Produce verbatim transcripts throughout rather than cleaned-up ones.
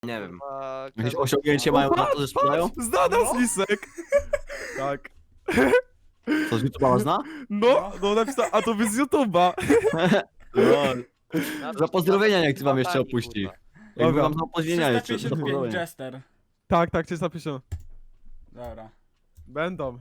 Nie wiem. A, Jakieś Karol- osiągnięcie O, mają na patrz, to, że sprzedają? patrz, Zna nas No. Lisek! Tak. To z YouTube'a zna? No, no napisał, a to by z YouTube'a. Lol. Napisz, Za pozdrowienia napisz, niech ty wam jeszcze taki, opuści. kurwa. Jakby Dobra. wam za pozdrowienia jeszcze, za trzysta pięćdziesiąt pięć pozdrowienia. Jester. Tak, tak, trzysta pięćdziesiąt. Dobra. Będą.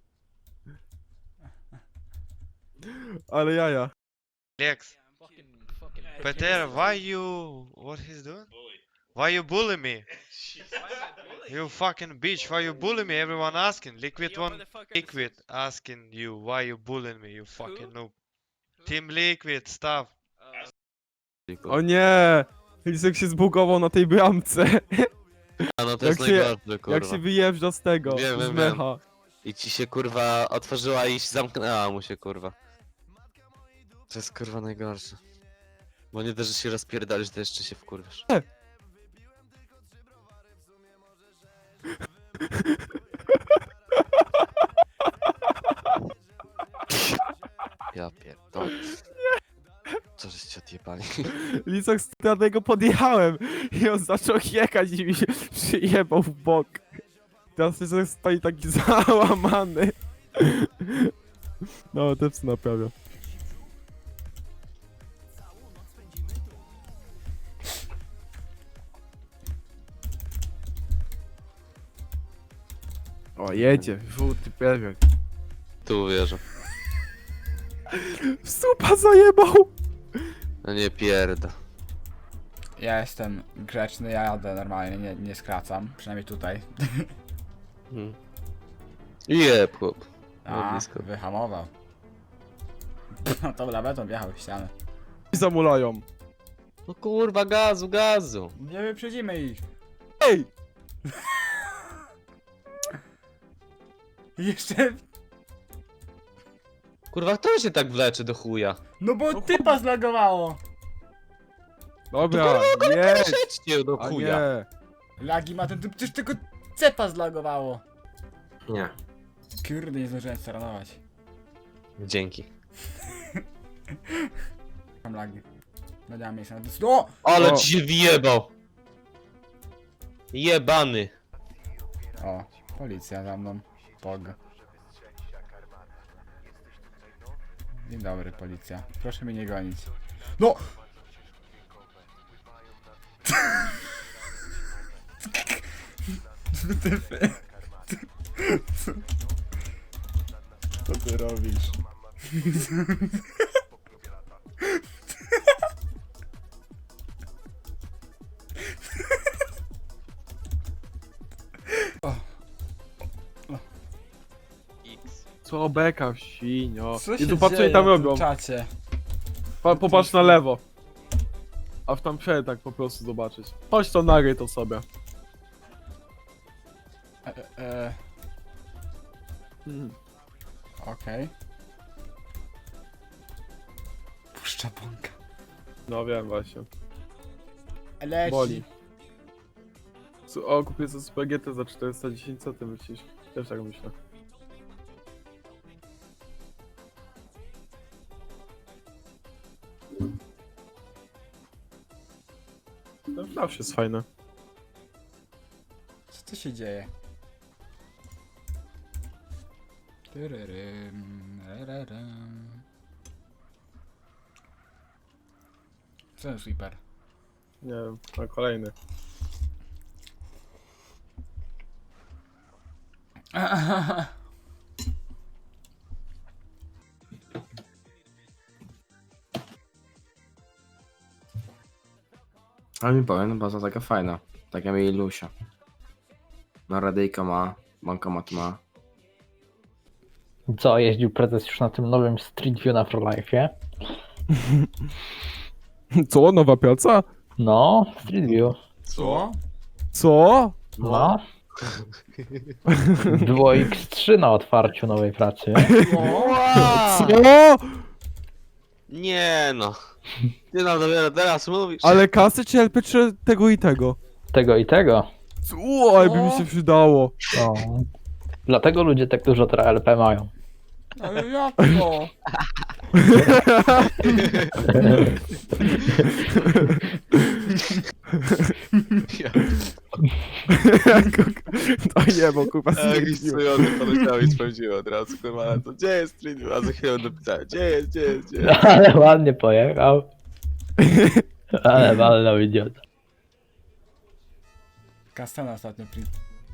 Ale jaja. Lex. Peter, why you... What he's doing? Why you bully me? You fucking bitch, why you bully me? Everyone asking. Liquid one... Liquid asking you, why you bullying me, you fucking noob. Team Liquid, stop. O nie! Lisek się zbugował na tej bramce. A no to Jak jest się- najgorsze, kurwa. Jak się wyjeżdża z tego, Wiem, z wiem, mecha. I ci się kurwa otworzyła i zamknęła mu się kurwa. To jest kurwa najgorsze. Bo nie dość, że się rozpierdalisz, to jeszcze się wkurwisz. Ja pierdolę. Co żeście odjebali? Lisek, ja do niego podjechałem i on zaczął jechać i mi się przyjebał w bok. Teraz Lisek stoi taki załamany. No, te psy naprawia. O, jedzie, żółty pewien. Tu uwierzę. Supa zajebał! No nie pierda. Ja jestem grzeczny, ja jadę normalnie, nie, nie skracam. Przynajmniej tutaj. Hmm. Jeb chłop. No A, blisko. wyhamował. No to lawetą wjechał w ścianę. I zamulają. No kurwa gazu, gazu. Nie wyprzedzimy ich. Ej! Jeszcze... Kurwa kto się tak wlecze do chuja? No bo typa zlagowało. Dobra, jedź! Przejdźcie do A chuja. nie. Lagi ma ten typ, przecież tylko cepa zlagowało. Nie. Kurde, nie zdążyłem staranować. Dzięki. Mam lagi. No nie mam miejsca na dys- O! Ale O. ci się wjebał. Jebany. O, policja za mną. Pog. Dzień dobry, policja. Proszę mnie nie gonić. No! Tyfy. Co ty robisz? Co beka, świnio. Co się Jezu, patrz co dzieje oni tam na tym robią. czacie? Pa, popatrz na lewo. A w tam przed tak po prostu zobaczyć. Chodź to nagraj to sobie. E, e, e, Mhm. Okej. Puszcza bąka. No wiem właśnie. Leci. Boli. Su- O, kupię sobie Super G T za czterysta dziesięć, co ty myślisz? Też tak myślę. Ten flash jest fajny. Co tu się dzieje? Tyryrym, rararym. Co ten sweeper? Nie wiem, a kolejny. Ale mi powiem, no baza taka fajna. Tak jak mieli Lusia. No radyjka ma, bankomat ma. Co, jeździł prezes już na tym nowym Street View na ProLife'ie? Co? Nowa praca? No, Street View. Co? Co? No. Było X trzy na otwarciu nowej pracy. Co? Nie no. Ty nam dopiero teraz mówisz. Ale kasy czy L P czy tego i tego? Tego i tego. Co? Ale by mi się przydało. No. Dlatego ludzie tak dużo teraz L P mają. Ale jak to? Ja, To nie, bo kurwa jakiś stwierdził. cudowny poleciał i sprawdziłem od razu, kurwa, ale to gdzie jest Street View? A za chwilę napisałem, gdzie jest, gdzie jest, gdzie jest? Ale ładnie pojechał. Ale walnął idiota. Kastana ostatnio pri...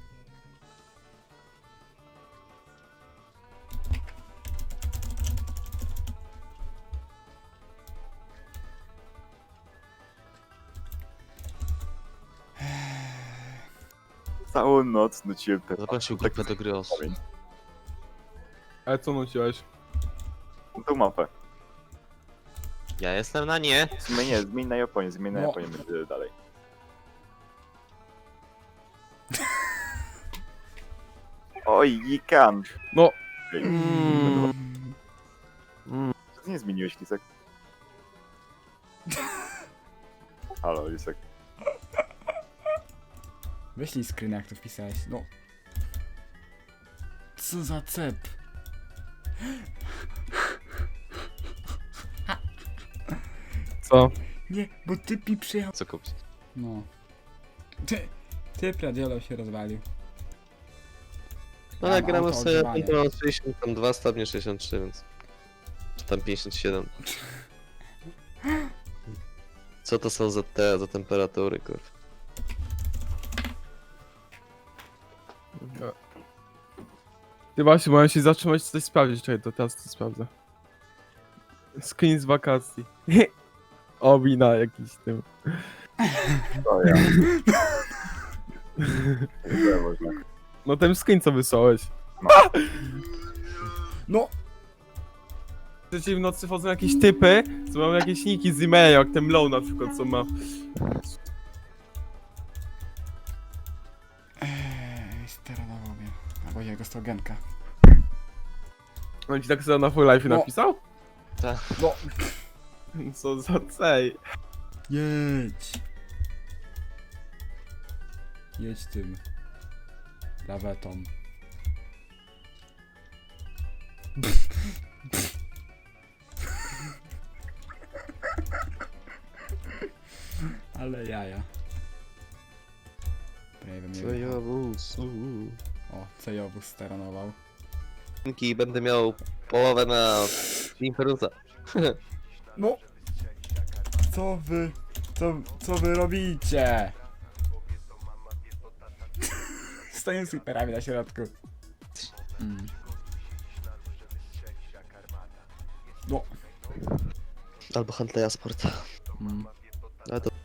Całą noc nuciłem te Zaprosił grupę do gry osób. Ale co nuciłeś? tą mapę. Ja jestem na nie. W sumie nie, zmień na Japonię, zmień na No. Japonię, będzie dalej. Oj, Yikan! No. Ej, Mm. Co ty nie zmieniłeś, Lisek? Halo, Lisek. Wyślij screen, jak to wpisałeś. No. Co za cep? Co? Nie, bo typ mi przyjechał. Co kupić? No. Ty, typ radiolo się rozwalił. No Mam ale gramy auto sobie ogrzewanie. kontrolą sześćdziesiąt dwa stopnie sześćdziesiąt trzy, więc... Czy tam pięćdziesiąt siedem. Co to są za te, za temperatury, kurwa? Ty właśnie, mają się zatrzymać coś sprawdzić, czekaj, to teraz to sprawdzę. Screen z wakacji. O, wina jakiś tym. To ja. Dziękuję można. No ten screen co wysłałeś. No! Przecież w nocy wchodzą jakieś typy, co mają jakieś niki z e-maila, jak ten low na przykład, co ma. Eee, steranował mnie. Albo jego stogenka. On ci tak sobie na full life No. napisał? Tak. No! Co za cej. Jedź! Jedź tym. Lawetą. Ale jaja. Prawie mnie Co ja wóz? O, Cejowóz staranował. I będę miał połowę na Imperusa. No! Co wy... Co, co wy robicie? Stoję z hiperami na środku. Mm. No. Albo Huntleya Sport. Mm. Ale to...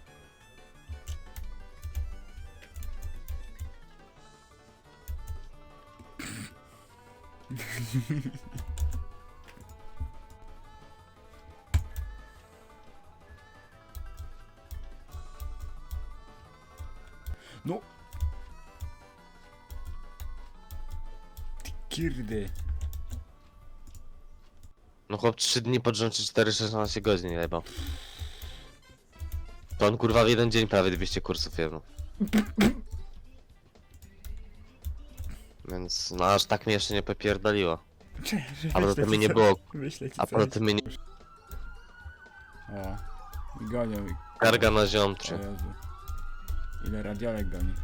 No. Ty Kirdy. No chłop trzy dni pod rząd, czy cztery szesnaście godzin nie jebał. To on kurwa w jeden dzień prawie dwieście kursów jebał. Więc no aż tak mnie jeszcze nie popierdoliło. A poza tym mnie nie było, Wyślę ci a poza tym mnie nie... O. I gonią. i- Karga na O ziomtrzy. Jezu. Ile radiolek goni.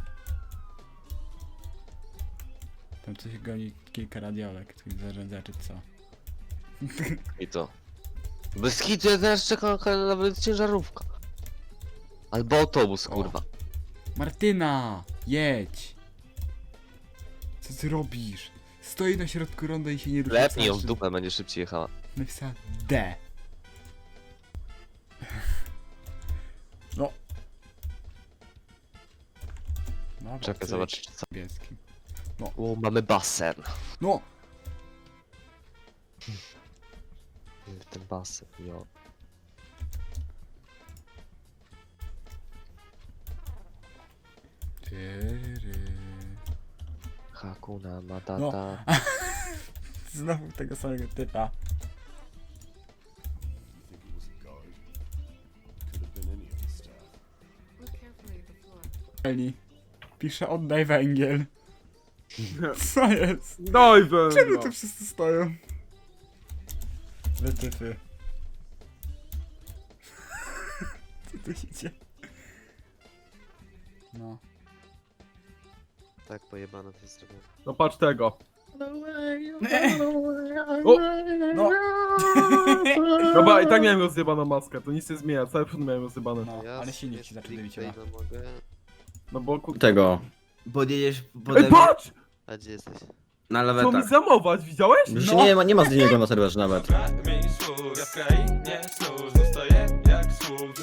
Tam coś goni kilka radiolek, tych zarządzaczy co? I to. Bez hitu ja teraz czekam na nawet ciężarówka. Albo autobus, O. kurwa. Martyna! Jedź! Co ty robisz? Stoi na środku ronda i się nie rusza. Lepnij ją w Znaczy- dupę, będzie szybciej jechała. Napisała D. No. Dobra, Czekaj, cyk. zobacz co. Niebieskim. O, mamy basen. No! Ten basen, jo. Tyry. Hakuna Matata. No. Znowu tego samego typa. Eli. Pisze oddaj węgiel. Co jest? Doj węgla. Czemu tu wszyscy stoją? Wytyfy. tu idzie? No. Tak pojebane to jest zrobione. No patrz tego. O! O! No. Dobra, i tak miałem rozjebaną maskę, to nic nie zmienia, cały przód miałem rozjebane. No, Ja ale silnik sobie ci zaczął stricte debić chyba. ile mogę. No bo kur... Tego. Podjedziesz Ej, pode patrz! A gdzie jesteś? na Chcą mi lewetach. zamować, widziałeś? Już No. nie, ma, nie ma z niego na serwerze nawet. Ja w krainie snów, zostaję jak sług.